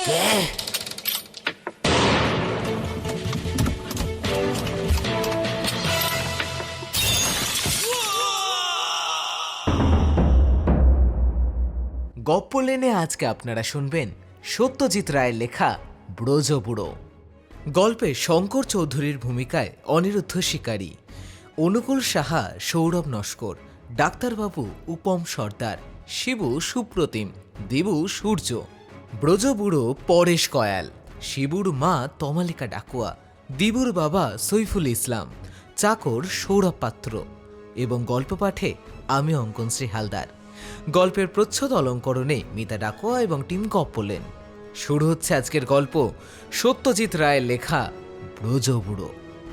গপ্প লেনে আজকে আপনারা শুনবেন সত্যজিৎ রায়ের লেখা ব্রজবুড়ো। গল্পে শঙ্কর চৌধুরীর ভূমিকায় অনিরুদ্ধ শিকারী, অনুকূল সাহা সৌরভ নস্কর, ডাক্তারবাবু উপম সর্দার, শিবু সুপ্রতিম, দেবু সূর্য, ব্রজবুড়ো পরেশ কয়াল, শিবুর মা তমালিকা ডাকুয়া, দিবুর বাবা সৈফুল ইসলাম, চাকর সৌরভ পাত্র এবং গল্প পাঠে আমি অঙ্কনশ্রী হালদার। গল্পের প্রচ্ছদ অলঙ্করণে মিতা ডাকুয়া এবং টিম গপ্পলেন। শুরু হচ্ছে আজকের গল্প সত্যজিৎ রায়ের লেখা ব্রজবুড়ো।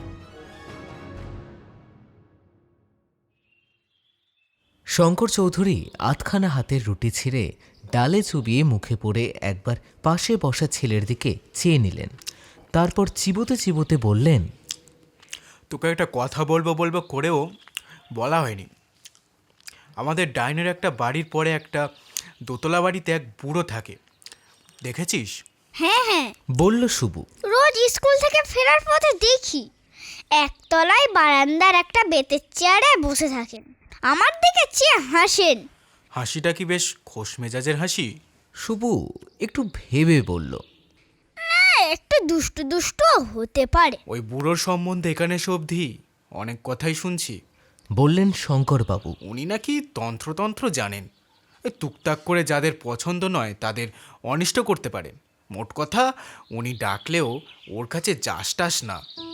শঙ্কর চৌধুরী আধখানা হাতের রুটি ছিঁড়ে ডালে চুবিয়ে মুখে পড়ে একবার পাশে বসা ছেলের দিকে চেয়ে নিলেন। তারপর চিবোতে চিবোতে বললেন, তোকে একটা কথা বলবো বলবো করেও বলা হয়নি। আমাদের ডাইনের একটা বাড়ির পরে একটা দোতলা বাড়িতে এক বুড়ো থাকে, দেখেছিস? হ্যাঁ হ্যাঁ, বলল শুভু। রোজ স্কুল থেকে ফেরার পথে দেখি একতলায় বারান্দার একটা বেতের চেয়ারে বসে থাকেন, আমার দিকে চেয়ে হাসেন। হাসিটা কি বেশ খোশ মেজাজের হাসি? শুভু একটু ভেবে বলল, একটু দুষ্টু দুষ্টু হতে পারে। ওই বুড়োর সম্বন্ধে এখানে এসে অবধি অনেক কথাই শুনছি। বললেন শঙ্করবাবু। উনি নাকি তন্ত্রতন্ত্র জানেন, টুকটাক করে যাদের পছন্দ নয় তাদের অনিষ্ট করতে পারেন। মোট কথা উনি ডাকলেও ওর কাছে যাস টাস না।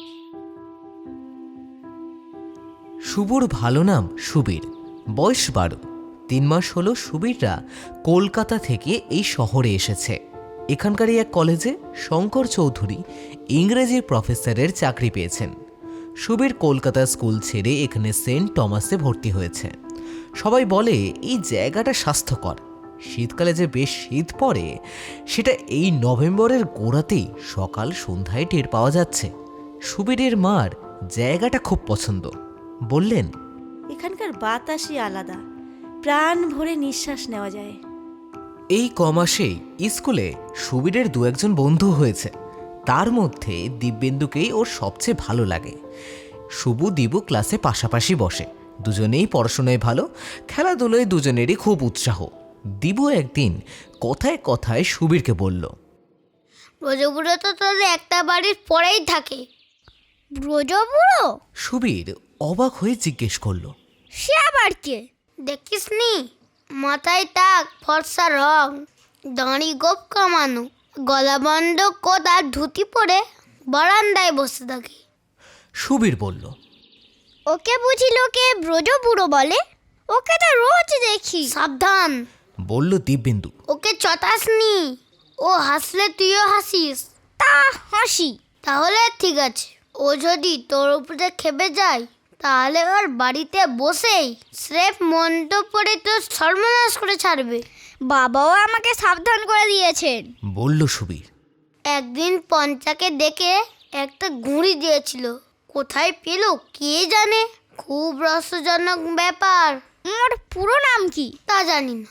শুভুর ভালো নাম সুবীর, বয়স 12। 3 মাস হলো সুবীররা কলকাতা থেকে এই শহরে এসেছে। এখানকারই এক কলেজে শঙ্কর চৌধুরী ইংরেজির প্রফেসরের চাকরি পেয়েছেন। সুবীর কলকাতা স্কুল ছেড়ে এখানে সেন্ট টমাসে ভর্তি হয়েছে। সবাই বলে এই জায়গাটা স্বাস্থ্যকর। শীতকালে যে বেশ শীত পড়ে সেটা এই নভেম্বরের গোড়াতেই সকাল সন্ধ্যায় টের পাওয়া যাচ্ছে। সুবীরের মার জায়গাটা খুব পছন্দ। বললেন, এখানকার বাতাসই আলাদা, প্রাণ ভরে নিঃশ্বাস নেওয়া যায়। এই কমাসেই স্কুলে সুবীরের 2-1 বন্ধু হয়েছে। তার মধ্যে দিব্যেন্দুকেই ওর সবচেয়ে ভালো লাগে। শুভু দিবু ক্লাসে পাশাপাশি বসে, দুজনেই পড়াশোনায় ভালো, খেলাধুলোয় দুজনেরই খুব উৎসাহ। দিবু একদিন কথায় কথায় সুবীরকে বলল, ব্রজবুড়ো তো তাহলে একটা বাড়ির পরেই থাকে। ব্রজবুড়ো? সুবীর অবাক হয়ে জিজ্ঞেস করলো, সে আবার কে? দেখিসনি? মাথায় টাক, ফর্সা রং, দাঁড়ি গোপ কামানো, গলা বন্ধ কোট আর ধুতি পরে বারান্দায় বসে থাকে। সুবীর বলল, ওকে বুঝি লোকে ব্রজবুড়ো বলে? ওকে তো রোজ দেখি। সাবধান, বলল দিব্যেন্দু। ওকে চটাসনি, ও হাসলে তুইও হাসিস। তা হাসি। তাহলে ঠিক আছে, ও যদি তোর উপরে খেপে যায় তাহলে ওর বাড়িতে বসেই স্রেফ মন্ত্র পড়ে তোর সর্বনাশ করে ছাড়বে। বাবাও আমাকে সাবধান করে দিয়েছেন, বলল সুবীর। একদিন পঞ্চাকে ডেকে একটা ঘুড়ি দিয়েছিল, কোথায় পেল কে জানে। খুব রহস্যজনক ব্যাপার। ওর পুরো নাম কি তা জানি না।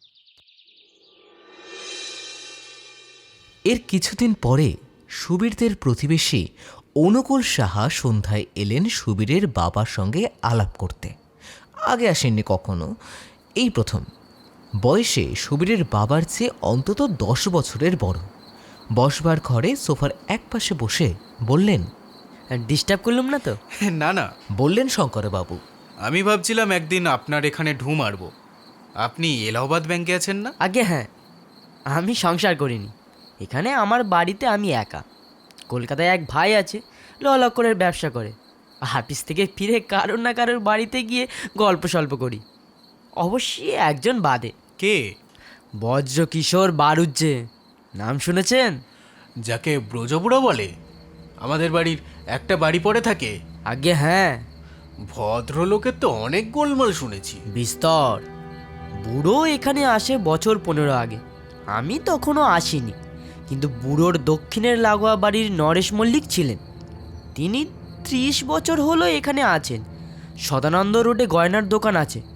এর কিছুদিন পরে সুবীরদের প্রতিবেশী অনুকূল সাহা সন্ধ্যায় এলেন সুবীরের বাবার সঙ্গে আলাপ করতে। আগে আসেননি কখনো, এই প্রথম। বয়সে সুবীরের বাবার চেয়ে অন্তত 10 বছরের বড়। বসবার ঘরে সোফার একপাশে বসে বললেন, ডিস্টার্ব করলাম না তো? না না, বললেন শঙ্করবাবু। আমি ভাবছিলাম একদিন আপনার এখানে ঢু মারব। আপনি এলাহাবাদ ব্যাংকে আছেন না? আগে হ্যাঁ, আমি সংসার করিনি। এখানে আমার বাড়িতে আমি একা। কলকাতায় এক ভাই আছে, ললকরের ব্যবসা করে। অফিস থেকে ফিরে কারোর না কারোর বাড়িতে গিয়ে গল্প সল্প করি, অবশ্যই একজন বাদে। কে? বজ্র কিশোর বারুজ্জে, নাম শুনেছেন? যাকে ব্রজবুড়ো বলে? আমাদের বাড়ির একটা বাড়ি পড়ে থাকে। আগে হ্যাঁ, ভদ্রলোকের তো অনেক গোলমাল শুনেছি। বিস্তর। বুড়ো এখানে আসে বছর 15 আগে, আমি তখনও আসিনি। কিন্তু বুড়োর দক্ষিণের লাগোয়া বাড়ির নরেশ মল্লিক ছিলেন, তিনি 30 বছর হলো এখানে আছেন। সদানন্দ রোডে গয়নার দোকান আছে,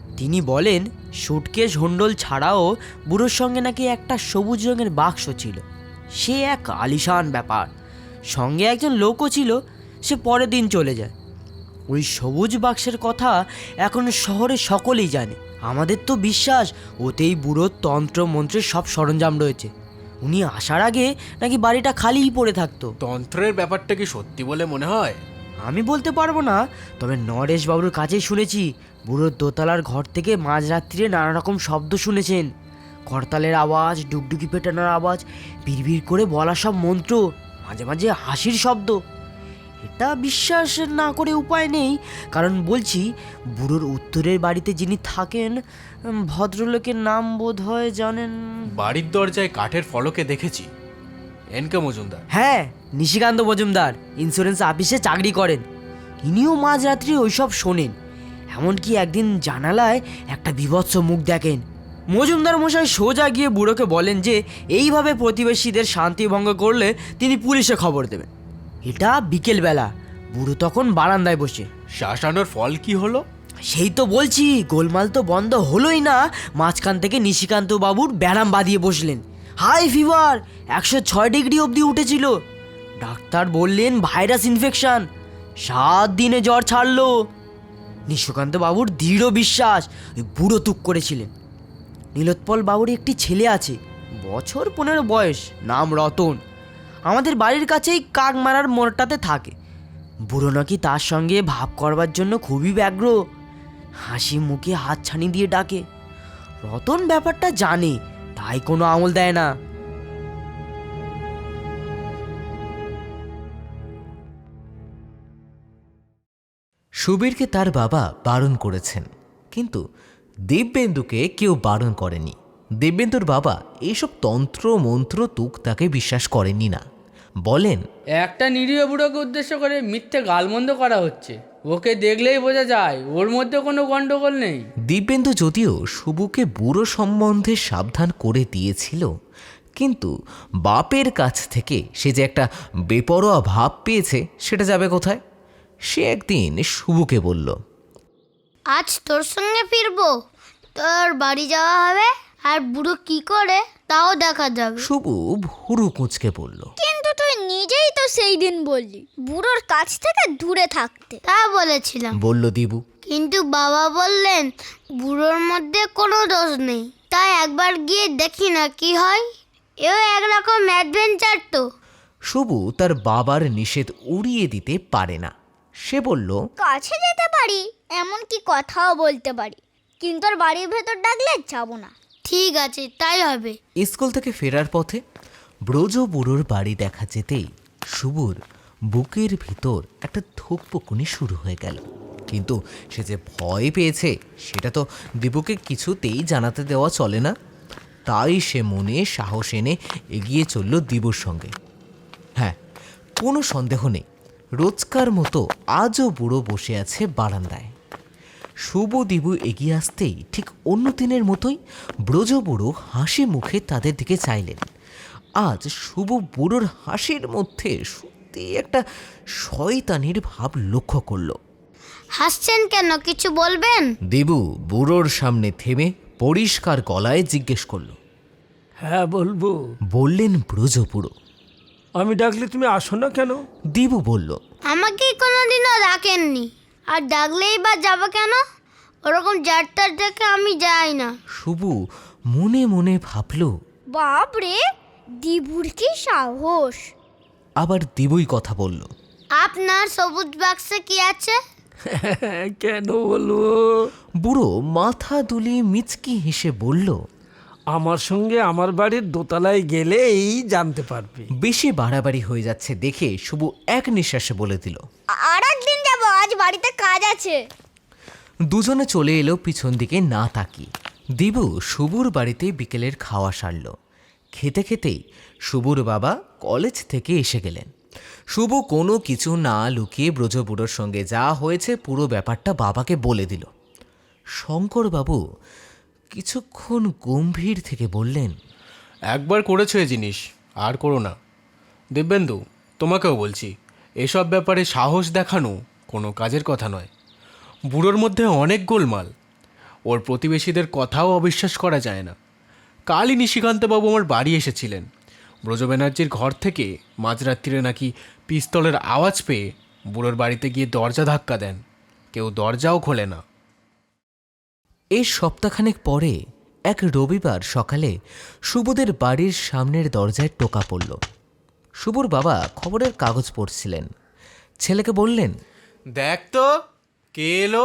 তিনি বলেন সুটকেস হন্ডল ছাড়াও বুড়োর সঙ্গে নাকি একটা সবুজ রঙের বাক্স ছিল। সে এক আলিশান ব্যাপার। সঙ্গে একজন লোকও ছিল, সে পরের দিন চলে যায়। ওই সবুজ বাক্সের কথা এখন শহরে সকলেই জানে। আমাদের তো বিশ্বাস ওতেই বুড়োর তন্ত্র মন্ত্রের সব সরঞ্জাম রয়েছে। উনি আসার আগে নাকি বাড়িটা খালিই পড়ে থাকতো। তন্ত্রের ব্যাপারটা কি সত্যি বলে মনে হয়? আমি বলতে পারবো না, তবে নরেশবাবুর কাছেই শুনেছি বুড়োর দোতলার ঘর থেকে মাঝরাত্রিরে নানা রকম শব্দ শুনেছেন। করতালের আওয়াজ, ডুগডুগি পেটানোর আওয়াজ, বিড়বিড় করে বলা সব মন্ত্র, মাঝে মাঝে হাসির শব্দ। এটা বিশ্বাস না করে উপায় নেই, কারণ বলছি বুড়োর উত্তরের বাড়িতে যিনি থাকেন, ভদ্রলোকের নাম বোধ হয় জানেন। বাড়ির দরজায় কাঠের ফলকে দেখেছি, এনকে মজুমদার। হ্যাঁ, নিশিকান্ত মজুমদার ইন্স্যুরেন্স অফিসে চাকরি করেন। ইনিও মাঝরাত্রি ওইসব শোনেন। এমনকি একদিন জানালায় একটা বীভৎস মুখ দেখেন। মজুমদার মশাই সোজা গিয়ে বুড়োকে বলেন যে এইভাবে প্রতিবেশীদের শান্তি ভঙ্গ করলে তিনি পুলিশে খবর দেবেন। এটা বিকেলবেলা, বুড়ো তখন বারান্দায় বসে। শাসানোর ফল কি হলো? সেই তো বলছি, গোলমাল তো বন্ধ হলোই না। মাঝখান থেকে নিশিকান্ত বাবুর ব্যারাম বাঁধিয়ে বসলেন। হাই ফিভার 106 ডিগ্রি অবধি উঠেছিল। ডাক্তার বললেন ভাইরাস ইনফেকশন। 7 দিনে জ্বর ছাড়লো। নিশিকান্ত বাবুর দৃঢ় বিশ্বাস ওই বুড়ো তুক করেছিলেন। নীলোৎপল বাবুর একটি ছেলে আছে, বছর 15 বয়স, নাম রতন। আমাদের বাড়ির কাছেই কাকমারার মোড়টাতে থাকে। বুড়ো নাকি তার সঙ্গে ভাব করবার জন্য খুবই ব্যগ্র। হাসি মুখে হাত ছানি দিয়ে ডাকে। রতন ব্যাপারটা জানে, তাই কোনো আমল দেয় না। সুবীরকে তার বাবা বারণ করেছেন, কিন্তু দিব্যেন্দুকে কেউ বারণ করেনি। দিব্যেন্দুর বাবা এইসব তন্ত্র মন্ত্র তুক তাকে বিশ্বাস করেননি না। বলেন, একটা নিরীহ বুড়োকে উদ্দেশ্য করে মিথ্যে গালমন্দ করা হচ্ছে। ওকে দেখলেই বোঝা যায় ওর মধ্যে কোনো গন্ডগোল নেই। দিব্যেন্দু যদিও শুভুকে বুড়ো সম্বন্ধে সাবধান করে দিয়েছিল, কিন্তু বাপের কাছ থেকে সে যে একটা বেপরোয়া ভাব পেয়েছে সেটা যাবে কোথায়? সে একদিন শুভুকে বলল, আজ তোর সঙ্গে ফিরবো, তোর বাড়ি যাওয়া হবে, আর বুড়ো কি করে তাও দেখা যাবে। শুভু ভুরু কুঁচকে বলল, কিন্তু তুই নিজেই তো সেই দিন বললি বুড়োর কাছ থেকে দূরে থাকতে। তা বলেছিলাম, বলল দিবু। কিন্তু বাবা বললেন বুড়োর মধ্যে কোনো দোষ নেই, তাই একবার গিয়ে দেখি না কি হয়। এও একরকম অ্যাডভেঞ্চার তো। শুভু তার বাবার নিষেধ উড়িয়ে দিতে পারে না। সে বলল, কাছে যেতে পারি, এমনকি কথাও বলতে পারি, কিন্তু আর বাড়ির ভেতর ডাকলে যাব না। ঠিক আছে, তাই হবে। স্কুল থেকে ফেরার পথে ব্রজ বুড়োর বাড়ি দেখা যেতেই শুভুর বুকের ভিতর একটা ধুকপুকুনি শুরু হয়ে গেল। কিন্তু সে যে ভয় পেয়েছে সেটা তো দিবুকে কিছুতেই জানাতে দেওয়া চলে না। তাই সে মনে সাহস এনে এগিয়ে চলল দিবুর সঙ্গে। হ্যাঁ, কোনো সন্দেহ নেই, রোজকার মতো আজও বুড়ো বসে আছে বারান্দায়। শুভ দিবু এগিয়ে আসতেই ঠিক অন্য দিনের মতোই ব্রজ বুড়ো হাসি মুখে তাদের দিকে চাইলেন। আজ শুভ বুড়োর হাসির মধ্যে সত্যি একটা শয়তানির ভাব লক্ষ্য করল। হাসছেন কেন, কিছু বলবেন? দিবু বুড়োর সামনে থেমে পরিষ্কার গলায় জিজ্ঞেস করল। হ্যাঁ বলবো। বললেন ব্রজ বুড়ো। আমি ডাকলে তুমি আসো না কেন? দিবু বলল, আমাকে কোনোদিনও ডাকেননি, আর ডাকলেই বা যাবো কেন? ওরকম যাত্রার দেখে আমি যাই না। শুভ মনে মনে ভাবল, বাপরে, দিবুর কি সাহস! আবার দিবুই কথা বলল, আপনার সবুজ বাক্সে কি আছে? কেন বলবো? বুড়ো মাথা দুলিয়ে মিচকি হেসে বলল, আমার সঙ্গে আমার বাড়ির দোতলায় গেলেই জানতে পারবে। বেশি বাড়াবাড়ি হয়ে যাচ্ছে দেখে শুভ এক নিঃশ্বাসে বলে দিল, আর একদিন যাবো, আজ বাড়িতে কাজ আছে। দুজনে চলে এলো পিছন দিকে না তাকিয়ে। দিবু শুভুর বাড়িতে বিকেলের খাওয়া সারল। খেতে খেতেই শুভুর বাবা কলেজ থেকে এসে গেলেন। শুভ কোনো কিছু না লুকিয়ে ব্রজবুড়োর সঙ্গে যা হয়েছে পুরো ব্যাপারটা বাবাকে বলে দিল। শঙ্করবাবু কিছুক্ষণ গম্ভীর থেকে বললেন, একবার করেছো এ জিনিস, আর করো না। দিব্যেন্দু, তোমাকেও বলছি, এসব ব্যাপারে সাহস দেখানো কোনো কাজের কথা নয়। বুড়োর মধ্যে অনেক গোলমাল। ওর প্রতিবেশীদের কথাও অবিশ্বাস করা যায় না। কালই নিশিকান্তবাবু আমার বাড়ি এসেছিলেন। ব্রজ ব্যানার্জির ঘর থেকে মাঝরাত্রিরে নাকি পিস্তলের আওয়াজ পেয়ে বুড়োর বাড়িতে গিয়ে দরজা ধাক্কা দেন, কেউ দরজাও খোলে না। এর সপ্তাহখানেক পরে এক রবিবার সকালে শুভদের বাড়ির সামনের দরজায় টোকা পড়ল। শুভর বাবা খবরের কাগজ পড়ছিলেন। ছেলেকে বললেন, দেখ তো কে এলো।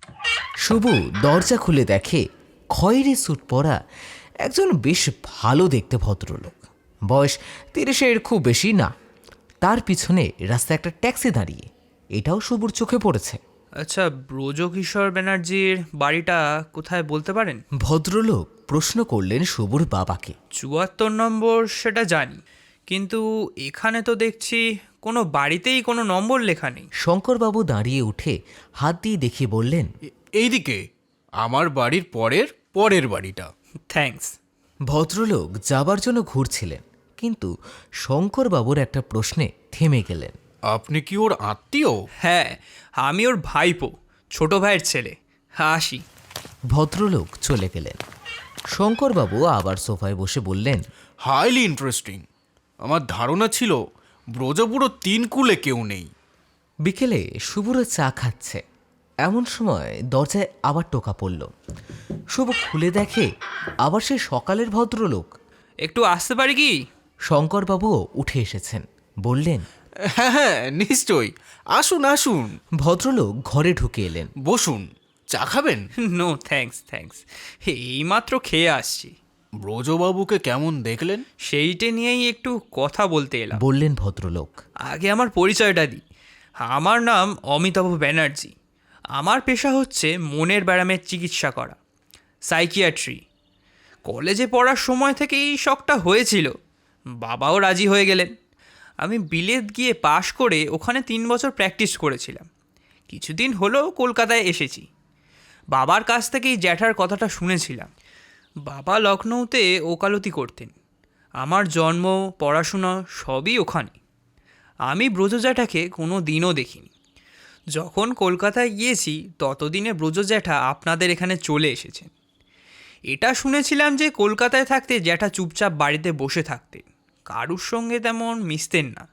শুভ দরজা খুলে দেখে খয়েরি স্যুট পরা একজন বেশ ভালো দেখতে ভদ্রলোক, বয়স 30-এর খুব বেশি না। তার পিছনে রাস্তায় একটা ট্যাক্সি দাঁড়িয়ে, এটাও শুভর চোখে পড়েছে। আচ্ছা, ব্রজকিশোর ব্যানার্জির বাড়িটা কোথায় বলতে পারেন? ভদ্রলোক প্রশ্ন করলেন শুভর বাবাকে। 74 নম্বর সেটা জানি, কিন্তু এখানে তো দেখছি কোনো বাড়িতেই কোনো নম্বর লেখা নেই। শঙ্করবাবু দাঁড়িয়ে উঠে হাত দিয়ে দেখিয়ে বললেন, এইদিকে আমার বাড়ির পরের পরের বাড়িটা। থ্যাঙ্কস। ভদ্রলোক যাবার জন্য ঘুরছিলেন, কিন্তু শঙ্করবাবুর একটা প্রশ্নে থেমে গেলেন। আপনি কি ওর আত্মীয়? হ্যাঁ, আমি ওর ভাইপো, ছোট ভাইয়ের ছেলে। আসি। ভদ্রলোক চলে গেলেন। শঙ্করবাবু আবার সোফায় বসে বললেন, হাইলি ইন্টারেস্টিং। আমার ধারণা ছিল ব্রজপুরো 3 কুলে কেউ নেই। বিকেলে শুভরা চা খাচ্ছে, এমন সময় দরজায় আবার টোকা পড়ল। শুভ খুলে দেখে আবার সে সকালের ভদ্রলোক। একটু আসতে পারি কি? শঙ্করবাবুও উঠে এসেছেন, বললেন, হ্যাঁ হ্যাঁ নিশ্চয়ই, আসুন আসুন। ভদ্রলোক ঘরে ঢুকে এলেন। বসুন, চা খাবেন? নো থ্যাঙ্কস, এইমাত্র খেয়ে আসছি। ব্রজবাবুকে কেমন দেখলেন? সেইটে নিয়েই একটু কথা বলতে এলাম। বললেন ভদ্রলোক। আগে আমার পরিচয়টা দিই। আমার নাম অমিতাভ ব্যানার্জি। আমার পেশা হচ্ছে মনের ব্যায়ামের চিকিৎসা করা, সাইকিয়াট্রি। কলেজে পড়ার সময় থেকে এই শখটা হয়েছিল, বাবাও রাজি হয়ে গেলেন। আমি বিলেত গিয়ে পাশ করে ওখানে 3 বছর প্র্যাকটিস করেছিলাম। কিছুদিন হলো কলকাতায় এসেছি। বাবার কাছ থেকেই জ্যাঠার কথাটা শুনেছিলাম। বাবা লখনৌতে ওকালতি করতেন। আমার জন্ম, পড়াশোনা সবই ওখানে। আমি ব্রজ জ্যাঠাকে কোনো দিনও দেখিনি। যখন কলকাতায় গিয়েছি ততদিনে ব্রজ জ্যাঠা আপনাদের এখানে চলে এসেছেন। এটা শুনেছিলাম যে কলকাতায় থাকতে জ্যাঠা চুপচাপ বাড়িতে বসে থাকতেন, কারুর সঙ্গে তেমন মিশতেন না।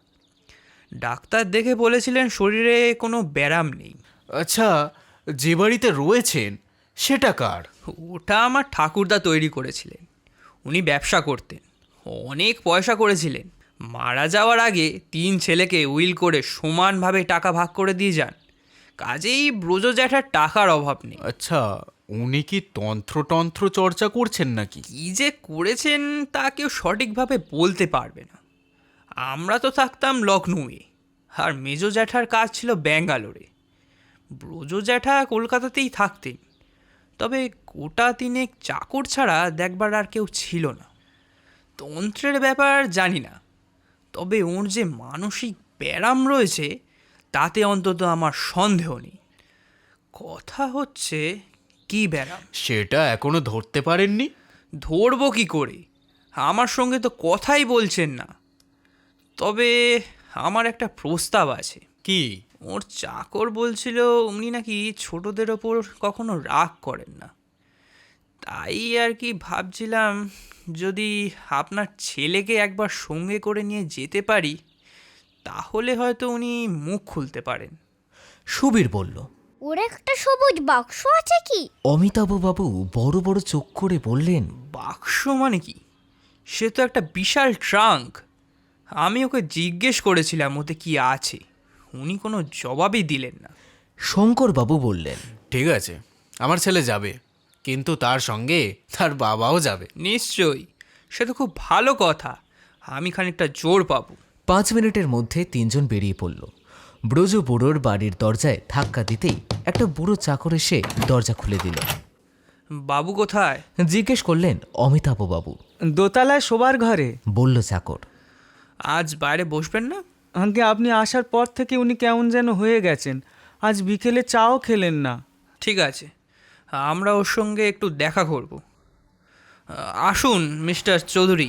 ডাক্তার দেখে বলেছিলেন শরীরে কোনো ব্যারাম নেই। আচ্ছা, যে বাড়িতে রয়েছেন সেটা কার? ওটা আমার ঠাকুরদা তৈরি করেছিলেন। উনি ব্যবসা করতেন, অনেক পয়সা করেছিলেন। মারা যাওয়ার আগে 3 ছেলেকে উইল করে সমানভাবে টাকা ভাগ করে দিয়ে যান। কাজেই ব্রজ জ্যাঠার টাকার অভাব নেই। আচ্ছা, উনি কি তন্ত্র চর্চা করছেন নাকি? কী যে করেছেন তা কেউ সঠিকভাবে বলতে পারবে না। আমরা তো থাকতাম লখনৌয়ে, আর মেজ জ্যাঠার কাজ ছিল ব্যাঙ্গালোরে। ব্রজ জ্যাঠা কলকাতাতেই থাকতেন, তবে গোটা 3 চাকর ছাড়া দেখবার আর কেউ ছিল না। তন্ত্রের ব্যাপার জানি না, তবে ওর যে মানসিক ব্যারাম রয়েছে তাতে অন্তত আমার সন্দেহ নেই। কথা হচ্ছে কি ব্যারাম? সেটা এখনো ধরতে পারেননি? ধরবো কি করে? আমার সঙ্গে তো কথাই বলছেন না। তবে আমার একটা প্রস্তাব আছে। কি? ওর চাকর বলছিল উনি নাকি ছোটদের ওপর কখনো রাগ করেন না। তাই আর কি ভাবছিলাম, যদি আপনার ছেলেকে একবার সঙ্গে করে নিয়ে যেতে পারি তাহলে হয়তো উনি মুখ খুলতে পারেন। সুবীর বলল, ওর একটা সবুজ বাক্স আছে কি? অমিতাভবাবু বড় বড় চোখ করে বললেন, বাক্স মানে কি? সে তো একটা বিশাল ট্রাঙ্ক। আমি ওকে জিজ্ঞেস করেছিলাম ওতে কি আছে, উনি কোনো জবাবই দিলেন না। শঙ্করবাবু বললেন, ঠিক আছে, আমার ছেলে যাবে, কিন্তু তার সঙ্গে তার বাবাও যাবে। নিশ্চয়ই, সে তো খুব ভালো কথা। আমি খানিকটা জোর পাবো। 5 মিনিটের মধ্যে 3 জন বেরিয়ে পড়ল। ব্রজ বুড়োর বাড়ির দরজায় ধাক্কা দিতেই একটা বুড়ো চাকর এসে দরজা খুলে দিল। বাবু কোথায়? জিজ্ঞেস করলেন অমিতাভবাবু। দোতলায় শোবার ঘরে। বলল চাকর। আজ বাইরে বসবেন না? আগে আপনি আসার পর থেকে উনি কেমন যেন হয়ে গেছেন। আজ বিকেলে চাও খেলেন না। ঠিক আছে, আমরা ওর সঙ্গে একটু দেখা করব। আসুন মিস্টার চৌধুরী।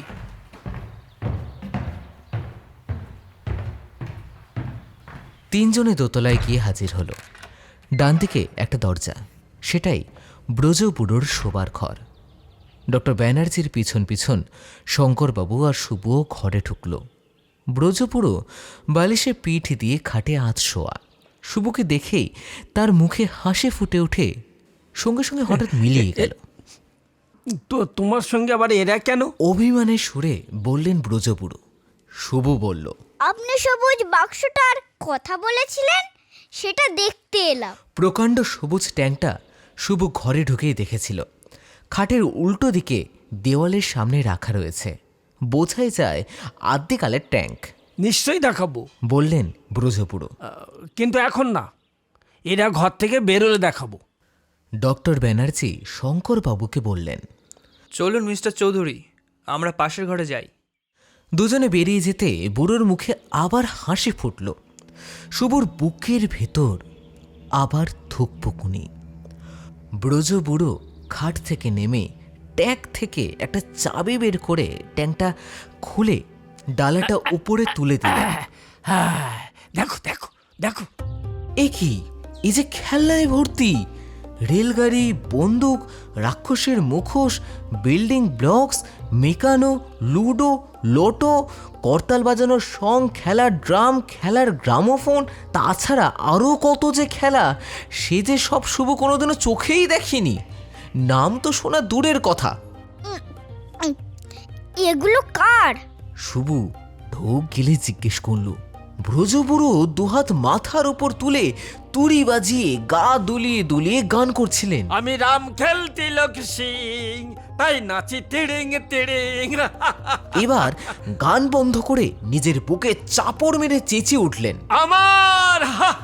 তিনজনে দোতলায় গিয়ে হাজির হলো। ডান দিকে একটা দরজা, সেটাই ব্রজবুড়োর শোবার ঘর। ডক্টর ব্যানার্জির পিছন পিছন শঙ্করবাবু আর শুভও ঘরে ঢুকল। ব্রজবুড়ো বালিশে পিঠ দিয়ে খাটে আধ শোয়া। শুভকে দেখেই তার মুখে হাসি ফুটে ওঠে, সঙ্গে সঙ্গে হঠাৎ মিলিয়ে গেল। তো তোমার সঙ্গে আবার এরা কেন? অভিমানের সুরে বললেন ব্রজবুড়ো। শুভ বলল, আপনি সবুজ বাক্সটার কথা বলেছিলেন, সেটা দেখতে এলাম। প্রকাণ্ড সবুজ ট্যাঙ্কটা শুভ ঘরে ঢুকেই দেখেছিল। খাটের উল্টো দিকে দেওয়ালের সামনে রাখা রয়েছে। বোঝাই যায় আদ্যিকালের ট্যাঙ্ক। নিশ্চয়ই দেখাবো, বললেন ব্রজবুড়ো। কিন্তু এখন না, এরা ঘর থেকে বেরোলে দেখাবো। ডক্টর ব্যানার্জি শঙ্করবাবুকে বললেন, চলুন মিস্টার চৌধুরী, আমরা পাশের ঘরে যাই। দুজনে বেরিয়ে যেতে বুড়োর মুখে আবার হাসি ফুটল। শুভর বুকের ভেতর আবার থুকপুকুনি। ব্রজবুড়ো খাট থেকে নেমে ট্যাঙ্ক থেকে একটা চাবি বের করে ট্যাঙ্কটা খুলে ডালাটা উপরে তুলে দিল। হ্যাঁ, দেখো দেখো দেখো। এ কি, এই যে খেলনায় ভর্তি! রেলগাড়ি, বন্দুক, রাক্ষসের মুখোশ, building blocks, Meccano, ludo, lotto, করতাল বাজানোর সং, খেলার ড্রাম, খেলার গ্রামোফোন, তাছাড়া আরও কত যে খেলা, সে যে সব শুভ কোনোদিনও চোখেই দেখিনি। নাম তো শোনা দূরের কথা। এগুলো কার? শুভ ঢোক গেলে জিজ্ঞেস করল। ব্রজবুড়ো দুহাত মাথার উপর তুলে তুড়ি বাজিয়ে গা দুলিয়ে দুলিয়ে গান করছিলেন। আমি রাম খেলতি লোক সিং, তাই নাচি তিড়িং তিড়িং। এবার গান বন্ধ করে নিজের বুকে চাপড় মেরে চেঁচিয়ে উঠলেন। আমার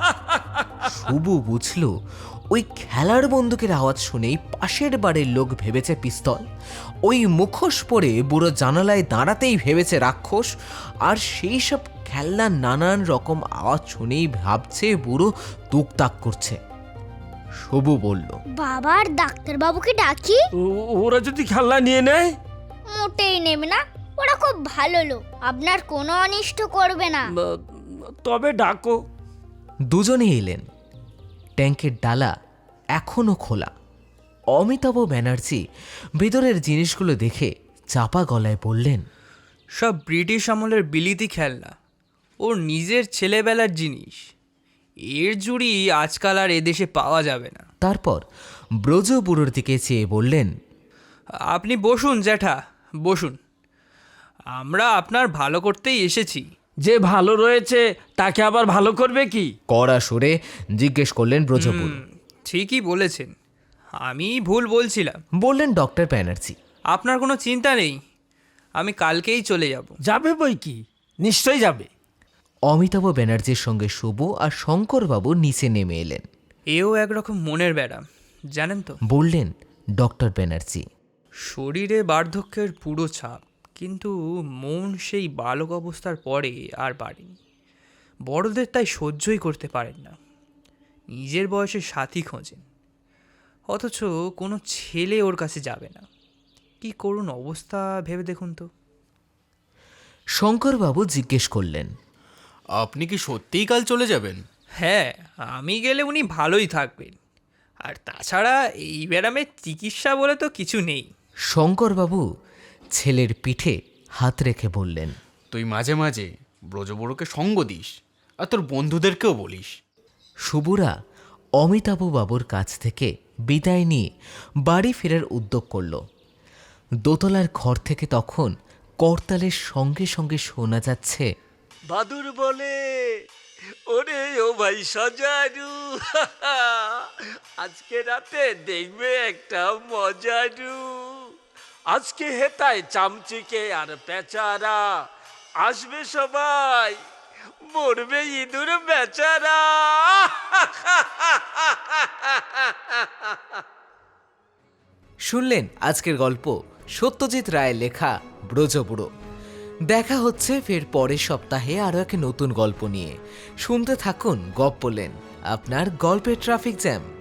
শুভ বুঝল ওই খেলার বন্দুকের আওয়াজ শুনেই পাশের বাড়ির লোক ভেবেছে পিস্তল, ওই মুখোশ পরে বুড়ো জানালায় দাঁড়াতেই ভেবেছে রাক্ষস, আর সেই সব খেলনার নানান রকম আওয়াজ শুনেই ভাবছে বুড়ো তুকতাক করছে। শুভ বলল, বাবার ডাক্তারবাবুকে ডাকি? ওরা যদি খেলনা নিয়ে নেয়? মোটেই নেবে না, ওরা খুব ভালো লোক, আপনার কোনো অনিষ্ট করবে না। তবে ডাকো। দুজনে এলেন। ট্যাঙ্কের ডালা এখনো খোলা। অমিতাভ ব্যানার্জি ভেতরের জিনিসগুলো দেখে চাপা গলায় বললেন, সব ব্রিটিশ আমলের বিলিতি খেলনা, ওর নিজের ছেলেবেলার জিনিস। এর জুড়ি আজকাল আর এদেশে পাওয়া যাবে না। তারপর ব্রজবুড়োর দিকে চেয়ে বললেন, আপনি বসুন জ্যাঠা, বসুন। আমরা আপনার ভালো করতেই এসেছি। যে ভালো রয়েছে তাকে আবার ভালো করবে কি? কড়া সুরে জিজ্ঞেস করলেন ব্রজবুড়ো। ঠিকই বলেছেন, আমি ভুল বলছিলাম। বললেন ডক্টর ব্যানার্জি। আপনার কোনো চিন্তা নেই, আমি কালকেই চলে যাব। যাবে বই কি, নিশ্চয়ই যাবে। অমিতাভ ব্যানার্জির সঙ্গে শুভ আর শঙ্করবাবু নিচে নেমে এলেন। এও একরকম মনের ব্যারাম, জানেন তো। বললেন ডক্টর ব্যানার্জি। শরীরে বার্ধক্যের পুরো ছাপ, কিন্তু মন সেই বালক অবস্থার পরে আর বাড়েনি। বড়দের তাই সহ্যই করতে পারেন না, নিজের বয়সে সাথী খোঁজেন, অথচ কোনো ছেলে ওর কাছে যাবে না। কি করুন অবস্থা ভেবে দেখুন তো। শঙ্করবাবু জিজ্ঞেস করলেন, আপনি কি সত্যিই কাল চলে যাবেন? হ্যাঁ, আমি গেলে উনি ভালোই থাকবেন, আর তাছাড়া এই ব্যারামের চিকিৎসা বলে তো কিছু নেই। শঙ্করবাবু ছেলের পিঠে হাত রেখে বললেন, তুই মাঝে মাঝে ব্রজবুড়োকে সঙ্গ দিস, আর তোর বন্ধুদেরকেও বলিস। শুভরা অমিতাভ বাবুর কাছ থেকে বিদায় নিয়ে বাড়ি ফেরার উদ্যোগ করল। দোতলার ঘর থেকে তখন করতালের সঙ্গে সঙ্গে শোনা যাচ্ছে, বাদুর বলে, ওরে ও ভাই সজারু, আজকে রাতে দেখবে একটা মজারু। আজকে হেতায় চামচিকে আর পেচারা, আসবে সবাই, মরবে ইঁদুর বেচারা। শুনলেন আজকের গল্প সত্যজিৎ রায়ের লেখা ব্রজবুড়ো। দেখা হচ্ছে ফের পরের সপ্তাহে আরও এক নতুন গল্প নিয়ে। শুনতে থাকুন গপ্পলেন, আপনার গল্পের ট্রাফিক জ্যাম।